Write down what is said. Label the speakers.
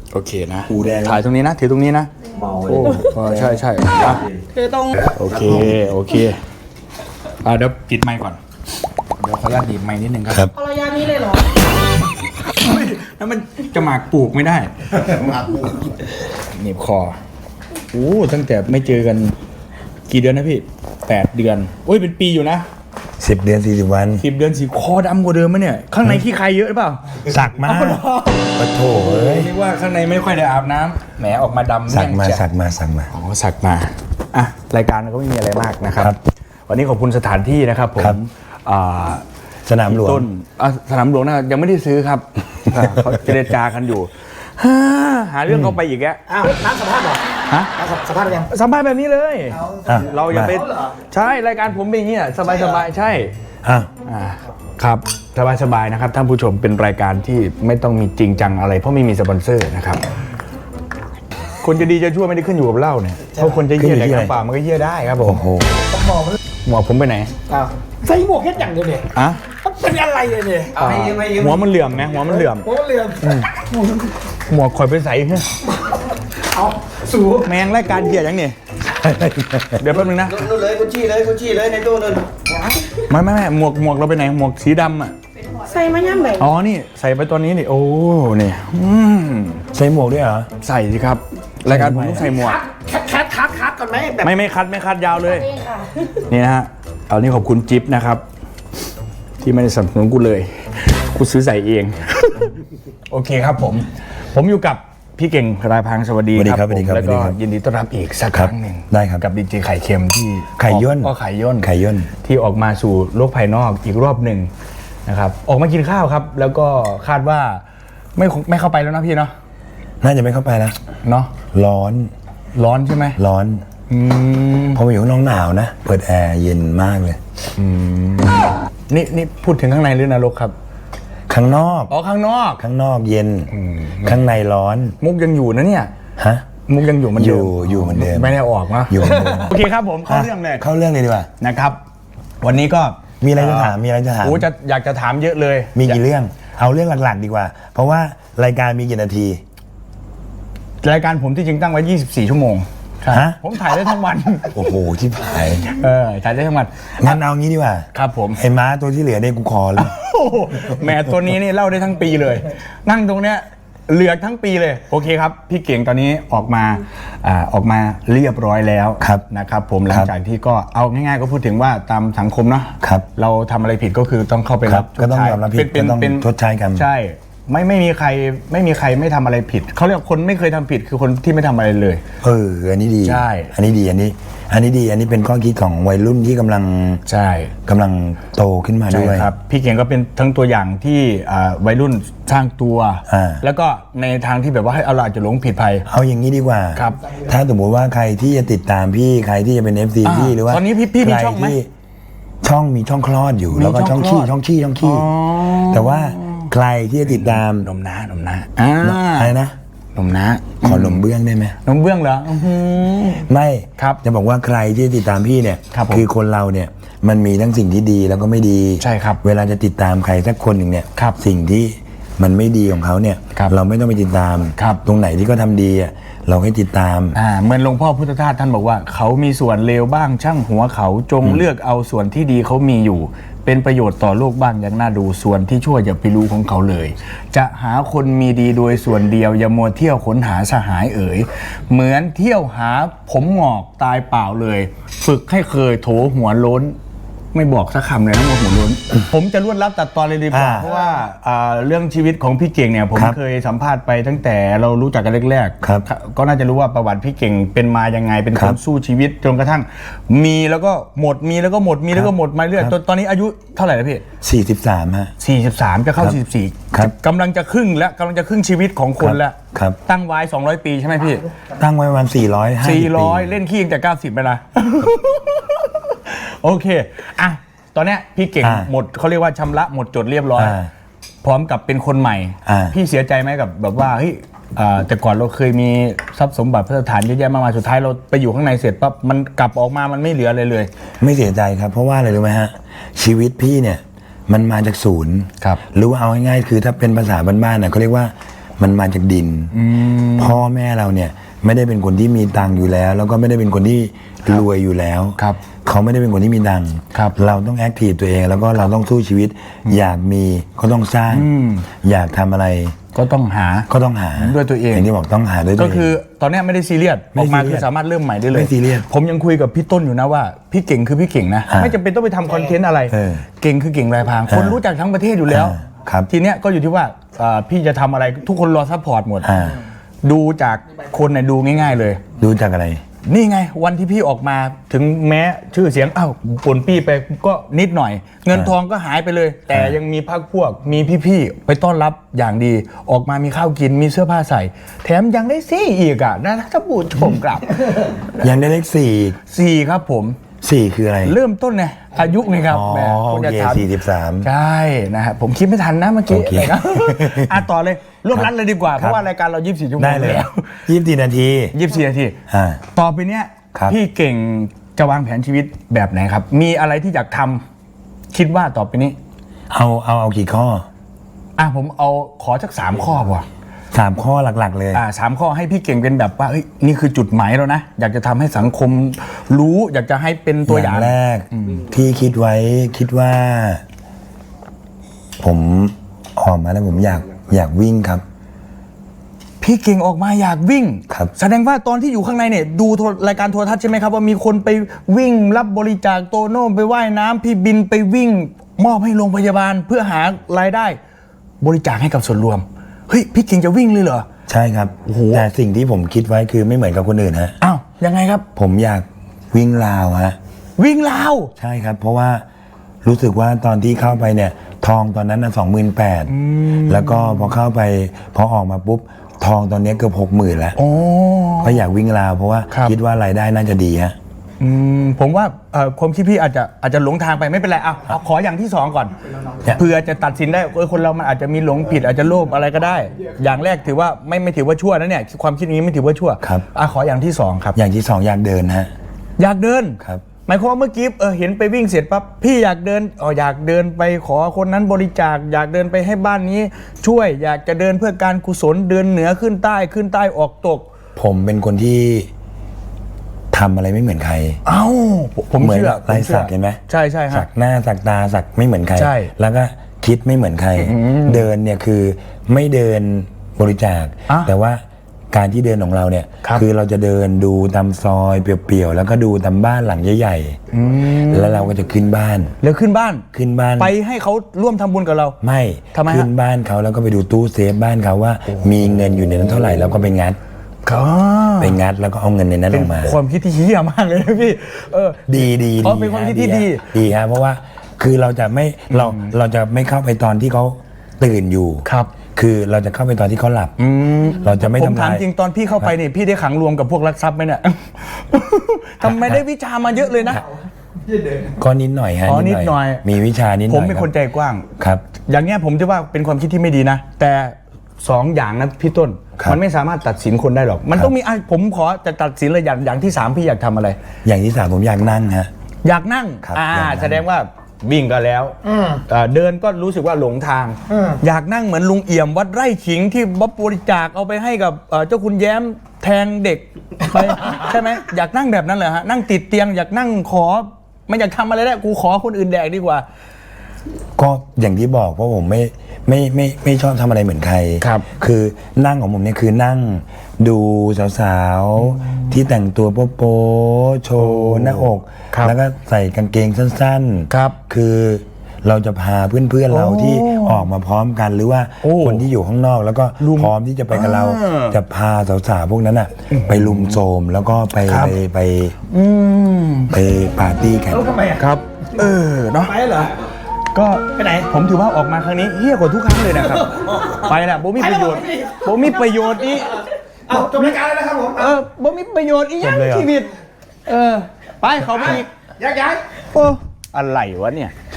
Speaker 1: โอเคนะ
Speaker 2: หูแดง
Speaker 1: ถ่ายตรงนี้นะถือตรงนี้นะ
Speaker 2: เมา
Speaker 1: โอ้ใช่ใช่อ่ะ
Speaker 3: คือตรง
Speaker 1: โอเคโอเคเดี๋ยวปิดไมค์ก่อนเดี๋ยวขออนุญาตดีบไมค์นิดนึงครับ
Speaker 3: เอาระยะนี้เลยเหรอ
Speaker 1: แล้วมันจะหมากปลูกไม่ได้
Speaker 2: มาปู
Speaker 1: หนีบคอโอ้ตั้งแต่ไม่เจอกันกี่เดือนนะพี่8 เดือนโอ้ยเป็นปีอยู่นะ
Speaker 2: 10 เดือน 40 วัน
Speaker 1: 10 เดือนสีคอดำกว่าเดิมมั้ยเนี่ยข้างในขี้ใครเยอะหรือเปล่า
Speaker 2: สักมาปะโถเอ้ย
Speaker 1: เรียกว่าข้างในไม่ค่อยได้อาบน้ำแหมออกมาดำ
Speaker 2: สักมา
Speaker 1: เรี่ยง
Speaker 2: สั
Speaker 1: จ้ะ
Speaker 2: กมาสักมา
Speaker 1: อ๋อสักมาอ่ะรายการก็ไม่มีอะไรมากนะครับ
Speaker 2: ครับ
Speaker 1: วันนี้ขอบคุณสถานที่นะครับผม
Speaker 2: ครับ
Speaker 1: อ่า
Speaker 2: สนามหลวง
Speaker 1: ต้นสนามหลวงนะยังไม่ได้ซื้อครับ เขาเจรจากันอยู่หาเรื่องเขาไปอีกแก
Speaker 4: อ้าวนัดสัมภาษณ์เหรอ
Speaker 1: ฮะ
Speaker 4: นัดสัมภาษณ์ยัง
Speaker 1: สัมภาษณ์แบบนี้เลย
Speaker 2: อ่ะ
Speaker 1: เราอย่าไป
Speaker 4: เอาเหรอ
Speaker 1: ใช่รายการผมเป็นอย่างนี้ยสบายสบายๆใช่
Speaker 2: อ่ะ
Speaker 1: ครับสบายสบายๆนะครับท่านผู้ชมเป็นรายการที่ไม่ต้องมีจริงจังอะไรเพราะไม่มีสปอนเซอร์นะครับคนจะดีจะชั่วไม่ได้ขึ้นอยู่กับเหล้าเนี่ยเพราะคนจะเยี่ยแดกน้ำเปล่ามันก็เยี่ยได้ครับผม
Speaker 2: โอ้โห
Speaker 4: ต้องมองมัน
Speaker 1: หมวกผมไปไหน
Speaker 4: อ้าวใส่หมวกแค่อย่างเดียวเนี่ย
Speaker 1: อะ
Speaker 4: มันเป็นอะไรเนี่ยเนี่ย
Speaker 1: หัวมันเหลื่อมไหมหัวมันเหลื่อม
Speaker 4: โอ้เรื่อง
Speaker 1: หมวกข่อยไปใส่เฮ้ย
Speaker 4: เอาสูง
Speaker 1: แมงรายการเหี้ยยังเนี่ยเดี๋ยวแป๊บนึงนะ
Speaker 5: นู่นเลยกุชชี่เลยกุชชี่เลยในตู้นั่น
Speaker 1: ไม่หมวกเราไปไหนหมวกสีดำอ่ะ
Speaker 3: ใส่มาย่ำไหน
Speaker 1: อ๋อนี่ใส่ไปตัวนี้นี่โอ้นี่
Speaker 2: ใส่หมวกด้วยเหรอ
Speaker 1: ใส่สิครับรายการผมต้องใส่หมวก
Speaker 4: คัดก่อนไหมแบบ
Speaker 1: ไม่คัดยาวเลย
Speaker 3: เองค่ะ
Speaker 1: นี่นะฮะเอานี่ขอบคุณจิ๊บนะครับ ที่ไม่ได้สนับสนุนกูเลยกูซื้อใส่เอง โอเคครับผมอยู่กับพี่เก่งรายพังสวัสดี
Speaker 2: สวัสดีครับ
Speaker 1: ผม
Speaker 2: สวัสดีครับ
Speaker 1: แล้วก็
Speaker 2: สวัสดีครับ
Speaker 1: ยินดีต้อนรับอีกสักครั้งหนึ่ง
Speaker 2: ได้ครับ
Speaker 1: กับดีเจไข่เค็มที่
Speaker 2: ไข่ย่น
Speaker 1: ก็ไข่ย่น
Speaker 2: ไข่ย่น
Speaker 1: ที่ออกมาสู่โลกภายนอกอีกรอบหนึ่งนะครับออกมากินข้าวครับ แล้วก็คาดว่าไม่เข้าไปแล้วนะพี่เนาะ
Speaker 2: น่าจะไม่เข้าไปแล้ว
Speaker 1: เนาะ
Speaker 2: ร้อน
Speaker 1: ร้อนใช่ไหม
Speaker 2: ร้อน
Speaker 1: อืม
Speaker 2: พอมาอยู่ข้างนอกหนาวนะ เปิดแอร์เย็นมากเลย
Speaker 1: นี่พูดถึงข้างในหรือนรกครับ
Speaker 2: ข้างนอก
Speaker 1: อ๋อข้างนอก
Speaker 2: ข้างนอกเย็น ข้างในร้อน
Speaker 1: มุกยังอยู่นะเนี่ย
Speaker 2: ฮะ
Speaker 1: มุกยังอยู่เหมันเดิม
Speaker 2: อยู่เหมือนเดิม
Speaker 1: ไม่ได้ออกเนาะ
Speaker 2: อยู่เหมือนเดิม
Speaker 1: โอเคครับผมเข้าเรื่องเลย
Speaker 2: เข้าเรื่องเลยดีกว่า
Speaker 1: นะครับ วันนี้ก็
Speaker 2: มีอะไรจะถาม มีอะไรจะถาม
Speaker 1: โอ้อยากจะถามเยอะเลย
Speaker 2: มีกี่เรื่อง เอาเรื่องหลักๆดีกว่า เพราะว่ารายการมีกี่นาที
Speaker 1: รายการผมที่จริงตั้งไว้ 24 ชั่วโมง
Speaker 2: ฮะ
Speaker 1: ผมถ่ายได้ทั้งวัน
Speaker 2: โอ้โหที่ผาย
Speaker 1: ถ่ายได้ทั้งวัน
Speaker 2: งั้นเอางี้ดีกว่า
Speaker 1: ครับผม
Speaker 2: ไอ้ม้าตัวที่เหลือเนี่ยกูขอเลย
Speaker 1: โอ้โหแหมตัวนี้นี่เล่าได้ทั้งปีเลย นั่งตรงเนี้ยเหลือกทั้งปีเลย โอเคครับ พี่เก่งตอนนี้ออกมาเรียบร้อยแล้ว
Speaker 2: ครับ
Speaker 1: นะครับผมหลังจากที่ก็เอาง่ายๆก็พูดถึงว่าตามสังคมเนาะ
Speaker 2: ครับ
Speaker 1: เราทำอะไรผิดก็คือต้องเข้าไป
Speaker 2: ค
Speaker 1: รั
Speaker 2: รั
Speaker 1: บบ
Speaker 2: ก็ต้องยอมรับผิดก็ต้องชดใช้กรรม
Speaker 1: ใช่ไม่มีใครไม่ทำอะไรผิดเขาเรียกคนไม่เคยทำผิดคือคนที่ไม่ทำอะไรเลย
Speaker 2: อันนี้ดี
Speaker 1: ใช่
Speaker 2: อันนี้ดี อันนี้ดี อันนี้เป็นข้อคิดของวัยรุ่นที่กำลัง
Speaker 1: ใช่
Speaker 2: โตขึ้นมา
Speaker 1: ใช่
Speaker 2: ด้วย
Speaker 1: ครับพี่เก่งก็เป็นทั้งตัวอย่างที่วัยรุ่นสร้างตัว แล้วก็ในทางที่แบบว่าให้เราอาจจะหลงผิดภัย
Speaker 2: เอาอย่างนี้ดีกว่า
Speaker 1: ครับ
Speaker 2: ถ้าสมมติว่าใครที่จะติดตามพี่ ใครที่จะเป็น FC พี่หรือว่า
Speaker 1: ตอนนี้พี่มี
Speaker 2: ใคร
Speaker 1: ช่องไหม
Speaker 2: ที่ช่องมีช่องคลอดอยู่ แล้วก็
Speaker 1: ช่
Speaker 2: ช่
Speaker 1: อ
Speaker 2: อง ง
Speaker 1: คลอ
Speaker 2: ขี้
Speaker 1: ด
Speaker 2: ช่องขี้
Speaker 1: อ๋อ
Speaker 2: แต่ว่าใครที่จะติดตาม
Speaker 1: นมน้านมน้า
Speaker 2: อะไรนะ
Speaker 1: นมน้า
Speaker 2: ขอหนมเบื้องได้ไหม
Speaker 1: นมเบื้องเหรออื้อหือ
Speaker 2: ไม่
Speaker 1: ครับ
Speaker 2: จะบอกว่าใครที่จะติดตามพี่เนี่ย
Speaker 1: ครับผม
Speaker 2: อคนเราเนี่ยมันมีทั้งสิ่งที่ดีแล้วก็ไม่ดี
Speaker 1: ใช่ครับ
Speaker 2: เวลาจะติดตามใครสักคนหนึ่งเนี่ย
Speaker 1: ครับ
Speaker 2: สิ่งที่มันไม่ดีของเขาเนี่ย
Speaker 1: ครับ
Speaker 2: เราไม่ต้องไปติดตาม
Speaker 1: ครับ
Speaker 2: ตรงไหนที่เขาทำดีอ่ะเราให้ติดตาม
Speaker 1: เหมือนหลวงพ่อพุทธทาสท่านบอกว่า เขามีส่วนเลวบ้างช่างหัวเขาจงเลือกเอาส่วนที่ดีเขามีอยู่ เป็นประโยชน์ต่อโลกบ้างอย่างน่าดูส่วนที่ชั่วอย่าไปรู้ของเขาเลย จะหาคนมีดีโดยส่วนเดียวอย่ามัวเที่ยวค้นหาสหายเอ๋ยเหมือนเที่ยวหาผมหงอกตายเปล่าเลย ฝึกให้เคยโถหัวโล้น ไม่บอกสักคำเลยนะว่าหัวโล้น ผมจะรวดรับตัดตอนเลยดีกว่าเพราะว่าเรื่องชีวิตของพี่เก่งเนี่ยผม
Speaker 2: ครับ
Speaker 1: เคยสัมภาษณ์ไปตั้งแต่เรารู้จักกันแรกๆ
Speaker 2: ครับ
Speaker 1: ก็น่าจะรู้ว่าประวัติพี่เก่งเป็นมายังไงเป็น
Speaker 2: ค
Speaker 1: ครับ นสู้ชีวิตจนกระทั่ง มีแล้วก็หมดมีแล้วก็หมดมีแล้วก็หมดมาเรื่อย
Speaker 2: ครับ
Speaker 1: ตอนนี้อายุเท่าไหร่แล้วพี่
Speaker 2: 43ฮะ
Speaker 1: 43จะเข้า
Speaker 2: ครับครับ
Speaker 1: 44กำลังจะครึ่งแล้วกำลังจะครึ่งชีวิตของคนแล้ว
Speaker 2: ครับ
Speaker 1: ตั้งไว้200 ปีใช่ไหมพี่
Speaker 2: ตั้งไว้ประมาณ450
Speaker 1: 400 เล่นขี้ตั้งแต่90ไปละ โอเคอ่ะตอนเนี้ยพี่เก่งหมดเขาเรียกว่าชำระหมดจดเรียบร้อย พร้อมกับเป็นคนใหม่ พี่เสียใจไหมกับแบบว่าเฮ้ยแต่ก่อนเราเคยมีทรัพย์สมบัติพระสถานเยอะแยะมากมายสุดท้ายเราไปอยู่ข้างในเสร็จปั๊บมันกลับออกมามันไม่เหลืออะไรเลย
Speaker 2: ไม่เสียใจครับ เพราะว่าอะไรรู้ไหมฮะชีวิตพี่เนี่ยมันมาจากศูนย์
Speaker 1: ครับ
Speaker 2: หรือว่าเอาง่ายๆคือถ้าเป็นภาษาบ้านๆน่ะเขาเรียกว่ามันมาจากดินพ่อแม่เราเนี่ยไม่ได้เป็นคนที่มีตังค์อยู่แล้ว แล้วก็ไม่ได้เป็นคนที่รวยอยู่แล้ว
Speaker 1: ครับ
Speaker 2: เขาไม่ได้เป็นคนที่มีตังค์
Speaker 1: ครับ
Speaker 2: เราต้องแอคทีฟตัวเอง แล้วก็เราต้องสู้ชีวิต อยากมีก็ต้องสร้าง อยากทำอะไร
Speaker 1: ก็ต้องหา
Speaker 2: ก็ต้องหา
Speaker 1: ด้วยตัวเอง
Speaker 2: อย่างที่บอกต้องหาด้วยตัว
Speaker 1: ก็
Speaker 2: เอง
Speaker 1: คือตอนเนี้ยไม่ได้ซีเรียส
Speaker 2: ไม่
Speaker 1: ออกมา
Speaker 2: ซีเรี
Speaker 1: คื
Speaker 2: ย
Speaker 1: อ
Speaker 2: ส
Speaker 1: สามารถเริ่มใหม่ได้เลย
Speaker 2: ไม่ซีเรียส
Speaker 1: ผมยังคุยกับพี่ต้นอยู่นะว่าพี่เก่งคือพี่เก่งนะ
Speaker 2: อ่า
Speaker 1: ไม่จำเป็นต้องไปทำคอนเทนต์อะไร เก่งคือเก่งรายพรางคนรู้จักทั้งประเทศอยู่แล้ว
Speaker 2: ครับ
Speaker 1: ทีเนี้ยก็อยู่ที่ว่าพี่จะทำอะไรทุกคนรอซัพพอร์ตหมด
Speaker 2: อ่า
Speaker 1: ดูจากคนเนี่ยดูง่าย ๆเลย
Speaker 2: ดูจากอะไร
Speaker 1: นี่ไงวันที่พี่ออกมาถึงแม้ชื่อเสียงอ้าวปนปี้ไปก็นิดหน่อย เงินทองก็หายไปเลย แต่ยังมีพรรคพวกมีพี่ๆไปต้อนรับอย่างดี ออกมามีข้าวกินมีเสื้อผ้าใส่ แถมยังได้ซี่อีกอ่ะนะถ้าบูดชมกลับ
Speaker 2: ยังได้เลขสี่
Speaker 1: สี่ครับผม
Speaker 2: สี่คืออะไร
Speaker 1: เริ่มต้นไงอายุไงครับ
Speaker 2: อ๋อ
Speaker 1: แหม
Speaker 2: โอ
Speaker 1: คุณจะ
Speaker 2: เค
Speaker 1: ถาม
Speaker 2: 43
Speaker 1: ใช่นะฮะผมคิดไม่ทันนะเมื่อกี้
Speaker 2: โอเค
Speaker 1: นะครับ ต่อเลยร่วมรัดเลยดีกว่าเพราะว่ารายการเรา24ชั่วโมง
Speaker 2: ได้เลย
Speaker 1: แล้ว
Speaker 2: 24 นาที
Speaker 1: 24นาที
Speaker 2: อ่า
Speaker 1: ต่อไปเนี้ย
Speaker 2: ครับ
Speaker 1: พี่เก่งจะวางแผนชีวิตแบบไหนครับ มีอะไรที่อยากทำคิดว่าต่อไปนี้
Speaker 2: เอากี่ข้อ
Speaker 1: ผมเอาขอสัก3ข้อพอ
Speaker 2: 3 ข้อหลักๆเลย
Speaker 1: 3 ข้อให้พี่เก่งเป็นแบบว่าเฮ้ยนี่คือจุดหมายแล้วนะ อยากจะทำให้สังคมรู้ อยากจะให้เป็นตัวอย่าง
Speaker 2: แรกที่คิดไว้คิดว่า ผมออกมาแล้วผมอยากวิ่งครับ
Speaker 1: พี่เก่งออกมาอยากวิ่ง
Speaker 2: ครับ
Speaker 1: แสดงว่าตอนที่อยู่ข้างในเนี่ยดูรายการโทรทัศน์ใช่ไหมครับว่ามีคนไปวิ่งรับบริจาคโตโน่ไปว่ายน้ำพี่บินไปวิ่ง มอบให้โรงพยาบาลเพื่อหารายได้ บริจาคให้กับส่วนรวมเฮ้ยพี่เก่งจะวิ่งเลยเหรอ
Speaker 2: ใช่ครับ
Speaker 1: โอ้โห
Speaker 2: แต่สิ่งที่ผมคิดไว้คือไม่เหมือนกับคนอื่นฮะ
Speaker 1: อ้าวยังไงครับ
Speaker 2: ผมอยากวิ่งราวฮะ
Speaker 1: วิ่งราว
Speaker 2: ใช่ครับ เพราะว่ารู้สึกว่าตอนที่เข้าไปเนี่ย ทองตอนนั้น28,000แล้วก็พอเข้าไปพอออกมาปุ๊บทองตอนนี้เกือบ60,000แล้ว
Speaker 1: โอ้
Speaker 2: ก็อยากวิ่งราวเพราะว่า
Speaker 1: ครับ
Speaker 2: คิดว่ารายได้น่าจะดีฮะ
Speaker 1: ผมว่าความคิดพี่อาจจะหลงทางไปไม่เป็นไรเอาขออย่างที่2ก่อน
Speaker 2: ครับ
Speaker 1: เพื่อจะตัดสินได้คนเรามันอาจจะมีหลงผิดอาจจะโลภอะไรก็ได้ อย่างแรกถือว่าไม่ถือว่าชั่วนะเนี่ยความคิดนี้ไม่ถือว่าชั่ว
Speaker 2: ครับ
Speaker 1: ขออย่างที่2ครับ
Speaker 2: อย่างที่2อยากเดินฮะ
Speaker 1: อยากเดิน
Speaker 2: ครับ
Speaker 1: หมายความว่าเมื่อกี้เห็นไปวิ่งเสร็จปั๊บพี่อยากเดินอยากเดินไปขอคนนั้นบริจาคอยากเดินไปให้บ้านนี้ ช่วยอยากจะเดินเพื่อการกุศลเดินเหนือขึ้นใต้ออกตก
Speaker 2: ผมเป็นคนที่ทำอะไรไม่เหมือนใคร
Speaker 1: เอ้าผม
Speaker 2: เหมือน
Speaker 1: เชื่อ
Speaker 2: ลายสักเห็นไหม
Speaker 1: ใช่ฮะ
Speaker 2: สักหน้าสักตาสักไม่เหมือนใคร
Speaker 1: ใช่
Speaker 2: แล้วก็คิดไม่เหมือนใคร เดินเนี่ยคือไม่เดินบริจาค แต่ว่าการที่เดินของเราเนี่ย
Speaker 1: ครับ
Speaker 2: อเราจะเดินดูตามซอยเปลี่ยวๆแล้วก็ดูตามบ้านหลังใหญ่ๆแล้วเราก็จะขึ้นบ้าน
Speaker 1: แล้วขึ้นบ้าน ไปให้เขาร่วมทำบุญกับเรา
Speaker 2: ไม่
Speaker 1: ทำไมฮะ
Speaker 2: ขึ้นบ้านเขาแล้วก็ไปดูตู้เซฟบ้านเขาว่า มีเงินอยู่ในนั้นเท่าไหร่แล้วก็ไปงัด ไปงัดแล้วก็เอาเงินในนั้นออกมา
Speaker 1: ความคิดที่เฮี้ยมากเลยนะพี่
Speaker 2: ดี
Speaker 1: เป็นความคิดที่ดี
Speaker 2: ดีฮะเพราะว่าคือเราจะไม่เข้าไปตอนที่เขาตื่นอยู่
Speaker 1: ครับ
Speaker 2: คือเราจะเข้าไปตอนที่เขาหลับเราจะไม่
Speaker 1: ผม
Speaker 2: ทำ
Speaker 1: ถาม
Speaker 2: ลาย
Speaker 1: จริงตอนพี่เข้าไปเนี่ยพี่ได้ขังรวมกับพวกลักทรัพย์ไหมเนี่ย ทำไมได้วิชามาเยอะเลยนะ
Speaker 2: ก็นิดหน่อยฮะ
Speaker 1: นิดหน่อย
Speaker 2: มีวิชานิดหน่
Speaker 1: ผ
Speaker 2: อย
Speaker 1: มเป็นคนใจกว้าง
Speaker 2: ครับ
Speaker 1: อย่างเงี้ยผมจะว่าเป็นความคิดที่ไม่ดีนะ แต่2อย่างนะพี่ต้น
Speaker 2: ครับ
Speaker 1: มันไม่สามารถตัดสินคนได้หรอก มันต้องมีผมขอจะตัดสินเลยอย่างที่3พี่อยากทำอะไร
Speaker 2: อย่างที่ 3ผมอยากนั่งฮะ
Speaker 1: อยากนั่ง
Speaker 2: ครับอยากนั่ง
Speaker 1: แสดงว่าวิ่งก็แล้วเดินก็รู้สึกว่าหลงทาง อยากนั่งเหมือนลุงเอี่ยมวัดไร่ขิงที่บริจาคเอาไปให้กับเจ้าคุณแย้มแทงเด็กไป ใช่ไหมอยากนั่งแบบนั้นเหรอฮะนั่งติดเตียงอยากนั่งขอไม่อยากทำอะไรแล้วกูขอคนอื่นแดกดีกว่า
Speaker 2: ก็อย่างที่บอกเพราะผมไม่ชอบทำอะไรเหมือนใคร
Speaker 1: ครับ
Speaker 2: คือนั่งของผมเนี่ยคือนั่งดูสาวๆที่แต่งตัวโป๊ะๆโชว์หน้าอก
Speaker 1: ครับ
Speaker 2: แล้วก็ใส่กางเกงสั้นๆ
Speaker 1: ครับ
Speaker 2: คือเราจะพาเพื่อนๆเราที่ออกมาพร้อมกันหรือว่า
Speaker 1: โอ้
Speaker 2: คนที่อยู่ข้างนอกแล้วก็
Speaker 1: ลุม
Speaker 2: พร้อมที่จะไปกับเรา จะพาสาวๆพวกนั้นอ่ะไปลุมโทรมแล้วก็ไป
Speaker 1: ครับ
Speaker 2: ไปปาร์ตี้กัน
Speaker 4: แล้วทำไมอ่ะ
Speaker 1: ครับเนาะ
Speaker 4: ไปเหรอ
Speaker 1: ก็
Speaker 4: ไปไหน
Speaker 1: ผมถือว่าออกมาครั้งนี้เฮี้ยกว่าทุกครั้งเลยนะครับ ไปแหละโบมีประโยชน์โบมีประโยชน์อี
Speaker 4: เอาจบรายการแล้วนะครับผม
Speaker 1: โบมีประโยชน์อีกอย่าง
Speaker 2: จบเลยเหรอ
Speaker 1: ชีวิตไปเขาไปอีก
Speaker 4: ย้าย
Speaker 1: โอ้อะไรวะเนี่ย